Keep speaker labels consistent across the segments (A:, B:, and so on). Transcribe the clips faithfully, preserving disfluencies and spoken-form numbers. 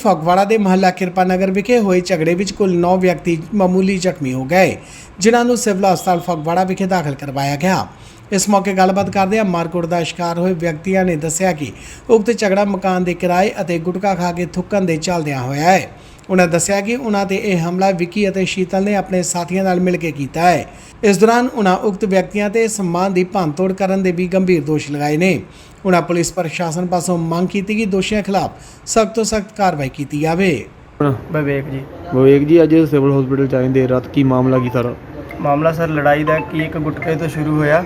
A: ਫਗਵਾੜਾ ਦੇ ਮਹੱਲਾ ਕਿਰਪਾ ਨਗਰ ਵਿਖੇ ਹੋਏ ਝਗੜੇ ਵਿੱਚ ਕੁੱਲ ਨੌ ਵਿਅਕਤੀ ਮਾਮੂਲੀ ਜ਼ਖਮੀ ਹੋ ਗਏ, ਜਿਨ੍ਹਾਂ ਨੂੰ ਸਿਵਲ ਹਸਪਤਾਲ ਫਗਵਾੜਾ ਵਿਖੇ ਦਾਖਲ ਕਰਵਾਇਆ ਗਿਆ। इस मौके गलबात करदे मारकुट का शिकार हुए व्यक्तियों ने दस्सिया कि उक्त झगड़ा मकान के किराए और गुटखा खा के थुकन के चलदियां होया है। उन्हें दस्सिया कि उन्होंने ते यह हमला विक्की और शीतल ने अपने साथियों नाल मिल के किया है। इस दौरान उन्होंने उक्त व्यक्तियों ते सम्मान की भंन तोड़ करने के भी गंभीर दोष लगाए ने। उन्होंने पुलिस प्रशासन पासों मांग की कि दोषियों खिलाफ सख्त तो सख्त कार्रवाई की जाए।
B: विवेक जी
C: विवेक जी अज सिविल हॉस्पिटल च आए देर रात की मामला की सारा
B: मामला सर लड़ाई का कि एक गुटके तो शुरू होया।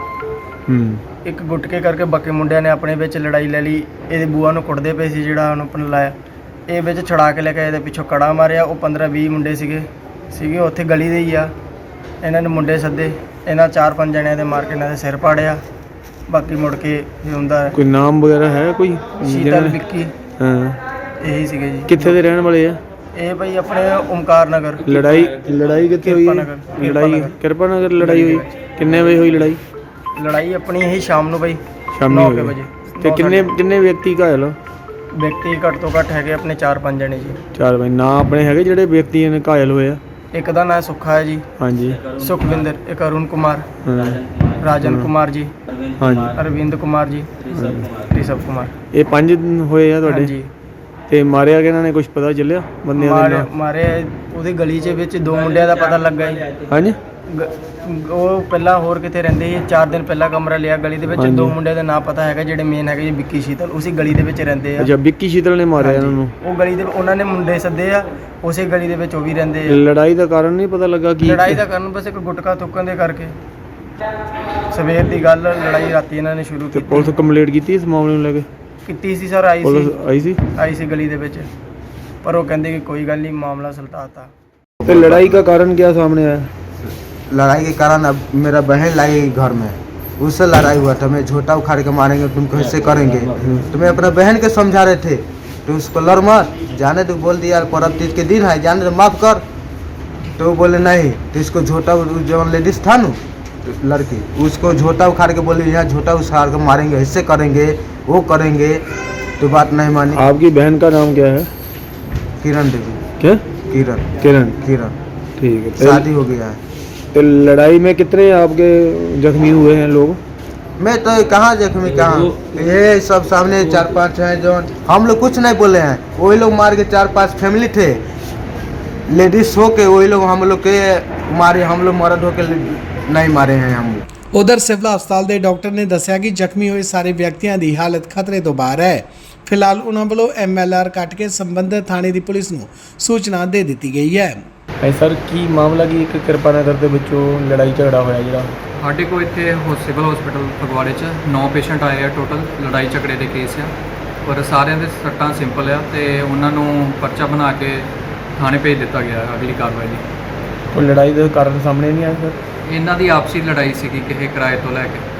B: एक गुटके करके बाकी मुंडिया ने अपने विच लड़ाई ले ली। ये बुआ नूं कुटदे पे सी जिहड़ा उहनूं अपने लाया, ये विच छड़ा के लेके ये पिछों कड़ा मारिया। वो पंद्रह बीस मुंडे सीगे सीगे उत्थे गली दे ही आ। इन्हां ने मुंडे सद्दे, इन्हां चार पंज जणियां दे मार के इन्हां दे सिर पाड़िया। बाकी मुड़ के हुंदा
C: कोई नाम वगैरह है कोई?
B: शीतल विक्की
C: हाँ
B: यही सीगे जी।
C: कित्थे दे रहण वाले आ?
B: ये भाई अपने ओमकार नगर।
C: लड़ाई लड़ाई कित्थे हुई? लड़ाई किरपा नगर लड़ाई हुई। किन्ने बजे हुई लड़ाई?
B: लड़ाई अपनी यही शाम नूं भाई
C: शाम
B: नौ
C: नौ
B: बजे।
C: ते किन्ने किन्ने व्यक्ति घायल?
B: व्यक्ति घट तो घट है अपने चार पाँच जने जी।
C: चार भाई ना अपने है ਜਿਹੜੇ व्यक्ति ने घायल होए आ?
B: एक का नाम सुखा है जी।
C: हाँ जी।
B: सुखविंदर, एक अरुण कुमार,
C: हाँ।
B: राजन कुमार जी,
C: हाँ जी।
B: अरविंद कुमार जी, ऋषभ कुमार।
C: ये पंज होए आ
B: हाँ
C: ਤੁਹਾਡੇ
B: जी।
C: ਤੇ ਮਾਰਿਆ ਕਿਹਨਾਂ ਨੇ ਕੁਝ ਪਤਾ ਚੱਲਿਆ ਬੰਦਿਆਂ ਦੇ
B: मारे
C: ਨਾਂ?
B: मारे ਉਹਦੀ ਗਲੀ 'ਚ ਵਿੱਚ ਦੋ ਮੁੰਡਿਆਂ ਦਾ ਪਤਾ ਲੱਗਾ ਜੀ।
C: ਹਾਂਜੀ
B: ਗ- ਉਹ ਪਹਿਲਾਂ ਹੋਰ ਕਿਤੇ ਰਹਿੰਦੇ ਸੀ, ਚਾਰ ਦਿਨ ਪਹਿਲਾਂ ਕਮਰਾ ਲਿਆ ਗਲੀ ਦੇ ਵਿੱਚ।
C: ਹਾਂਜੀ।
B: ਦੋ ਮੁੰਡਿਆਂ ਦਾ ਨਾਂ ਪਤਾ ਹੈਗਾ, ਜਿਹੜੇ ਮੇਨ ਹੈਗੇ ਜੀ ਵਿੱਕੀ ਸ਼ੀਤਲ, ਉਸੇ ਗਲੀ ਦੇ ਵਿੱਚ ਰਹਿੰਦੇ ਆ।
C: ਅੱਛਾ ਵਿੱਕੀ ਸ਼ੀਤਲ ਨੇ ਮਾਰਿਆ ਇਹਨਾਂ ਨੂੰ?
B: ਉਹ ਗਲੀ ਦੇ ਉਹਨਾਂ ਨੇ ਮੁੰਡੇ ਸੱਦੇ ਆ, ਉਸੇ ਗਲੀ ਦੇ ਵਿੱਚ ਉਹ ਵੀ ਰਹਿੰਦੇ ਆ।
C: ਲੜਾਈ ਦਾ ਕਾਰਨ ਨਹੀਂ ਪਤਾ ਲੱਗਾ ਕੀ?
B: ਲੜਾਈ ਦਾ ਕਾਰਨ ਬਸ ਇੱਕ ਗੁਟਕਾ ਥੁੱਕਣ ਦੇ ਕਰਕੇ। ਸਵੇਰ ਦੀ ਗੱਲ, ਲੜਾਈ ਰਾਤੀ ਇਹਨਾਂ ਨੇ ਸ਼ੁਰੂ
C: ਤੇ
B: ਕੀਤੀ
C: ਪੁਲਿਸ ਕੰਪਲੀਟ ਕੀਤੀ ਇਸ ਮਾਮਲੇ ਨੂੰ ਲੈ ਕੇ?
B: ਕੀਤੀ ਸੀ ਸਰ, ਆਈ
C: ਪੁਲਿਸ
B: ਸੀ
C: ਆਈ ਸੀ?
B: ਆਈ ਸੀ ਗਲੀ ਦੇ ਵਿੱਚ, ਪਰ ਉਹ ਕਹਿੰਦੇ कि कोई गल नहीं, मामला सुलझाता।
C: तो लड़ाई का कारण क्या सामने आया?
D: लड़ाई के कारण अब मेरा बहन लाई घर में, उससे लड़ाई हुआ था। मैं झोटा उखाड़ के मारेंगे, तुम कैसे करेंगे? तो मैं अपना बहन के समझा रहे थे, तो उसको लड़ मत जाने तो बोल दिया पर्व तीज के दिन है, जाने तो माफ़ कर। तो वो बोले नहीं, तो इसको झोटा जो लेडीज़ था ना लड़की, उसको झोटा उखाड़ के बोले यहाँ झोटा उखाड़ के मारेंगे, ऐसे करेंगे वो करेंगे। तो बात नहीं मानी।
C: आपकी बहन का नाम क्या है?
D: किरण देवी।
C: क्या?
D: किरण
C: किरण।
D: किरण
C: ठीक है।
D: शादी हो गया है।
C: तो लड़ाई में कितने आपके जख्मी हुए हैं लोग?
D: मैं तो कहाँ जख्मी कहाँ, ये सब सामने चार पांच हैं जो हम लोग कुछ नहीं बोले हैं। वही लोग मार के, चार पांच फैमिली थे लेडीज हो के, वही लोग हम लोग के मारे। हम लोग मर्द हो के नहीं मारे हैं हम लोग।
A: उधर सिविल हस्पताल के डॉक्टर ने दस्सिया कि जख्मी हुए सारे व्यक्तियों की हालत खतरे तो बाहर है। फिलहाल उन्होंने वालों एम एल आर कट के संबंधित थाने की पुलिस को सूचना दे दी गई है।
C: ਹੈ ਸਰ ਕੀ ਮਾਮਲਾ ਕੀ ਇੱਕ ਕਿਰਪਾ ਨਗਰ ਦੇ ਵਿੱਚੋਂ ਲੜਾਈ ਝਗੜਾ ਹੋਇਆ ਜਿਹੜਾ?
E: ਸਾਡੇ ਕੋਲ ਇੱਥੇ ਹੋ ਸਿਵਲ ਹਸਪੀਟਲ ਫਗਵਾੜੇ 'ਚ ਨੌ ਪੇਸ਼ੈਂਟ ਆਏ ਆ ਟੋਟਲ, ਲੜਾਈ ਝਗੜੇ ਦੇ ਕੇਸ ਆ, ਪਰ ਸਾਰਿਆਂ ਦੇ ਸੱਟਾਂ ਸਿੰਪਲ ਆ ਤੇ ਉਹਨਾਂ ਨੂੰ ਪਰਚਾ ਬਣਾ ਕੇ ਥਾਣੇ ਭੇਜ ਦਿੱਤਾ ਗਿਆ ਅਗਲੀ ਕਾਰਵਾਈ ਲਈ।
C: ਕੋਈ ਲੜਾਈ ਦਾ ਕਾਰਨ ਸਾਹਮਣੇ ਨਹੀਂ ਆਇਆ ਸਰ?
E: ਇਹਨਾਂ ਦੀ ਆਪਸੀ ਲੜਾਈ ਸੀਗੀ ਕਿਸੇ ਕਿਰਾਏ ਤੋਂ ਲੈ ਕੇ।